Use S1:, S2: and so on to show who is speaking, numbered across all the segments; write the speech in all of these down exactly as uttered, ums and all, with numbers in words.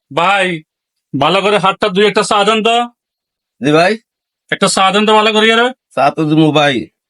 S1: ভাই ভালো করে হাতটা দুই একটা চা দেন তো।
S2: জি ভাই,
S1: একটা চা দেন তো ভালো করে রে।
S2: চা তো দিবো ভাই।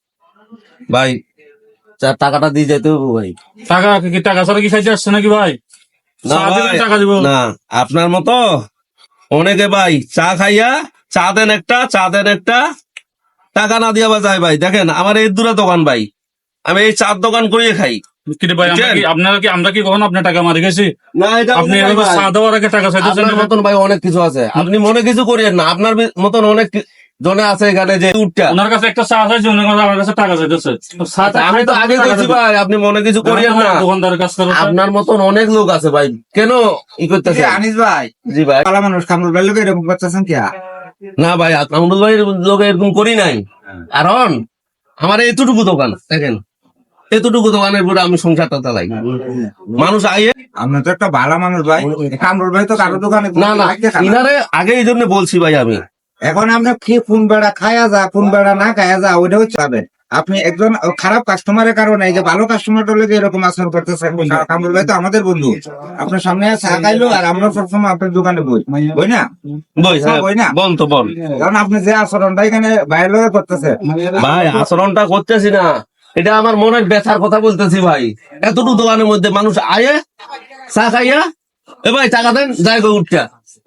S2: ভাই চা টাকাটা দিয়ে যেতে হবে ভাই।
S1: টাকা কি টাকা ছাড়া কি খাইতে আসছে নাকি ভাই?
S2: না
S1: চা দিলে
S2: ভাই,
S1: টাকা দিব
S2: না আপনার মতো অনেকে ভাই চা খাইয়া চা দেন একটা, চা দেন একটা, টাকা না দিয়া যায় ভাই। দেখেন আমার এই দূরে দোকান ভাই, আমি এই চার দোকান করিয়ে খাই।
S1: কি রে ভাই, আমরা কি আপনারা কি আমরা কি কখনো আপনার টাকা মারি গেছি?
S2: না এটা
S1: আপনি
S2: ভাই,
S1: এভাবে
S2: ভাই,
S1: চা দেওয়ার আগে টাকা চাইতেছেন
S2: আপনার মতন ভাই অনেক কিছু আছে, আপনি মনে কিছু করিয়েন না। আপনার বি- মতন অনেক কি- জনে আছে এখানে যে উঠটা।
S1: ওনার কাছে একটা চা চাইছে, উনি আমার কাছে টাকা চাইতেছে। তো চাটা
S2: আমি তো আগে
S1: টাকা
S2: কইছি
S1: দিতে-
S2: ভাই, আপনি মনে কিছু করিয়েন না।
S1: দোকানদারের কাছ থেকে
S2: আপনার মতন অনেক লোক আছে ভাই, কেন ই করতেছে?
S3: আনিস ভাই,
S2: জি ভাই,
S3: পালা মানুষ কামরুল ভাই লোক এরকম করতেছেন কি?
S2: না ভাই আমরুল ভাই লোক এরকম করি নাই, কারণ আমার এতটুকু দোকান দেখেন, এতটুকু দোকানের পরে আমি সংসারটা চালাই। মানুষ আইয়ে
S3: আপনি তো একটা ভালো মানুষ ভাই, কামরুল ভাই তো কারো দোকানে
S2: না না
S3: আগে খান না।
S2: ইনারে আগে এই জন্য বলছি ভাই আমি।
S3: এখন আপনি কি কোন বেড়া খায়া যা কোন বেড়া না খায়া যা ওইটা হচ্ছে পাবেন। আপনি একজন খারাপ কাস্টমারের কারণে এই যে ভালো কাস্টমারটা লোক এরকম আচরণ করতেছেন। কামরুল ভাই তো আমাদের বন্ধু, আপনার সামনে চা খাইলো আর আমরা সবসময় আপনার দোকানে বই বই না
S2: বই হ্যাঁ,
S3: বই না
S2: বল তো বল।
S3: কারণ আপনি যে আচরণটা এখানে বাইরে লোকে করতেছে
S2: ভাই আচরণটা করতেছি না, এটা আমার মনের ব্যথার কথা বলতেছি ভাই। এতটুকু দোকানের মধ্যে মানুষ আয়ে চা খাইয়া এ ভাই টাকা দেন যাই গো উঠটা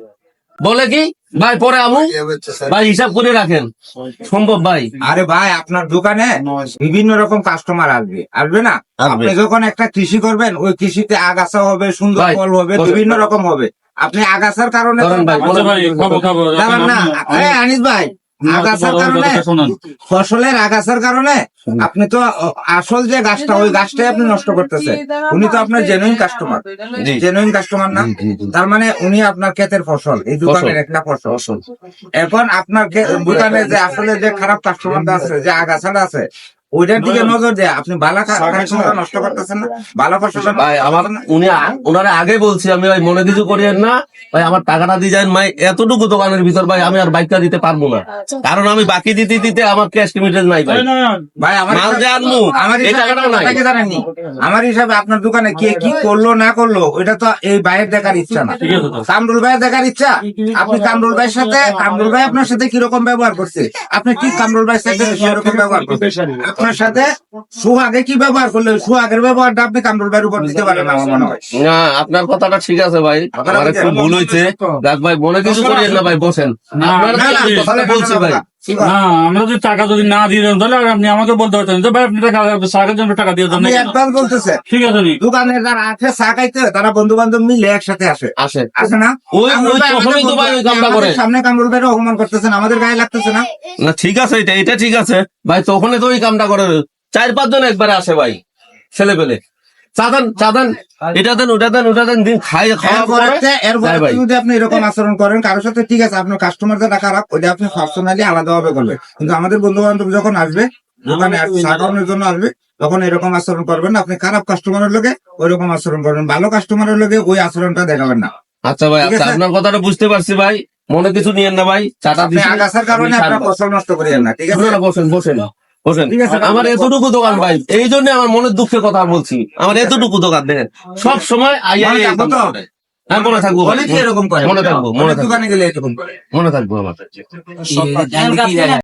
S2: বলে কি ভাই পরে আমু ভাই হিসাব করে রাখেন, সম্ভব ভাই?
S3: আরে ভাই আপনার দোকানে বিভিন্ন রকম কাস্টমার আসবে আসবে না?
S2: আসবে।
S3: আপনি যখন একটা কৃষি করবেন ওই কৃষিতে আগাছা হবে, সুন্দর
S2: ভাই,
S3: ফল হবে,
S2: বসে-
S3: বিভিন্ন রকম হবে। আপনি আগাছার কারণে
S2: ধরেন ভাই,
S1: আচ্ছা ভাই, খাবো খাবো
S3: যাবেন না। আরে আনিস ভাই, আগাছার কারণে
S1: শোনান।
S3: ফসলের আগাছার কারণে আপনি তো আ- আসল যে গাছটা ওই গাছটাই আপনি নষ্ট করতেছেন। উনি তো আপনার জেনুইন কাস্টমার,
S2: জি।
S3: জেনুইন কাস্টমার না? তার মানে উনি আপনার ক্ষেতের ফসল, এই দোকানের
S2: ফসল।
S3: একটা ফসল। এখন আপনার ক্ষে- দোকানে যে আসলে যে খারাপ কাস্টমারটা আছে, যে আগাছাটা আছে, ওইটার দিকে নজর দেয়। আপনি ভালো কাস্টমার নষ্ট করতেছেন না, ভালো ফসলটা নষ্ট
S2: ভাই আমার
S3: করতেছেন না।
S2: উনি আ- ওনারা আগে বলছি আমি ভাই মনে কিছু করিয়েন না ভাই, আমার টাকাটা দিয়ে যান ভাই। এতটুকু দোকানের ভিতর ভাই আমি আর বাইকটা দিতে পারবো না, কারণ আমি বাকি দিতে দিতে আমার ক্যাশ লিমিটেড নাই ভাই।
S3: ভাই আমার
S2: মাল যে আনবো,
S3: আমার
S2: এই
S3: হিসাবে
S2: টাকাটাও নাই।
S3: আপনারা কি জানেননি? আমার হিসাবে আপনার দোকানে কে কি করলো না করলো ওইটা তো এই ভাইয়ের দেখার ইচ্ছা না,
S1: ঠিক আছে তো।
S3: কামরুল ভাইয়ের দেখার ইচ্ছা। আপনি কামরুল ভাইয়ের সাথে, কামরুল ভাই আপনার সাথে কিরকম ব্যবহার করছে, আপনি ঠিক কামরুল ভাইয়ের সাথে সেরকম ব্যবহার করছেন। আপনার সাথে সুহাগে কি ব্যবহার করলে সুহাগের ব্যবহারটা আপনি কামরুল ভাইয়ের উপর দিতে পারেন না আমার মনে হয়।
S2: না আপনার কথাটা ঠিক আছে ভাই, আমার একটু ভুল হয়েছে। দেখ ভাই মনে কিছু করিয়েন না ভাই, বসেন।
S1: না,
S2: আপনার
S3: না, না,
S2: কথাটা বলছি ভাই।
S1: না, আমরা যদি টাকা যদি না দিয়ে দেন তাহলে আপনি আমাকে বলতে পারতেন যে ভাই আপনি টাকা চাকের জন্য টাকা দিয়ে দেন।
S3: আপনি অ্যাডভান্স বলতেছে,
S1: ঠিক আছে নি।
S3: দোকানে যারা আছে চা খাইতে তারা বন্ধু বান্ধব মিলে একসাথে আসে
S2: আসে
S3: আসে না?
S2: ওই-
S3: কামরুল
S2: ওই
S3: ভাই
S2: তখনই তো ভাই ওই
S3: আমাদের
S2: কামটা করে।
S3: সামনে কামরুল ভাইয়ের অপমান করতেছেন, আমাদের গায়ে লাগতেছে না?
S2: না ঠিক আছে, এটা এটা ঠিক আছে ভাই, তখনই তো ওই কামটা করে। চার পাঁচ জন একবারে আসে ভাই, ছেলে পেলে চাঁদান চাঁদান এটা দেন ওটা দেন ওটা দেন, দিন খাই খাওয়া
S3: এরপরে
S2: পরে
S3: তে- এরপরে
S2: যাই ভাই।
S3: যদি আপনি এরকম আচরণ করেন কারোর সাথে, ঠিক আছে আপনার কাস্টমার যারা খারাপ ওইটা আপনি পার্সোনালি আলাদা ভাবে করবেন, কিন্তু আমাদের বন্ধু বান্ধব যখন আসবে দোকানে চা খাওয়ানোর জন্য আসবে তখন এরকম আচরণ করবেন না। আপনি খারাপ কাস্টমারের লোকে ওই রকম আচরণ করবেন, ভালো কাস্টমারের লোকে ওই আচরণটা দেখাবেন না।
S2: আচ্ছা ভাই,
S3: ঠিক
S2: আচ্ছা
S3: আছে?
S2: আপনার কথাটা বুঝতে পারছি ভাই, মনে কিছু নিয়েন না ভাই। চাটা
S3: আপনি
S2: দিছি,
S3: আগাছার কারণে
S2: আপনি
S3: আপনার
S2: ছাড়বেন।
S3: ফসল নষ্ট করিয়েন না, ঠিক আছে?
S2: না, না, বসেন বসেন বসেন।
S3: ঠিক আছে।
S2: আমার এতটুকু দোকান ভাই, এই জন্য আমার মনের দুঃখের কথা বলছি। আমার এতটুকু দোকান দেখেন, সব সময় আইয়া
S3: মনে
S2: এই
S3: থাকবো
S2: কাম
S3: তো?
S2: করে। হ্যাঁ মনে থাকবো ভাই,
S3: অনেকে এরকম করে,
S2: মনে থাকবো মনে
S3: অনেক
S2: থাকবো
S3: দোকানে গেলে এরকম করে।
S2: মনে থাকবো আমার।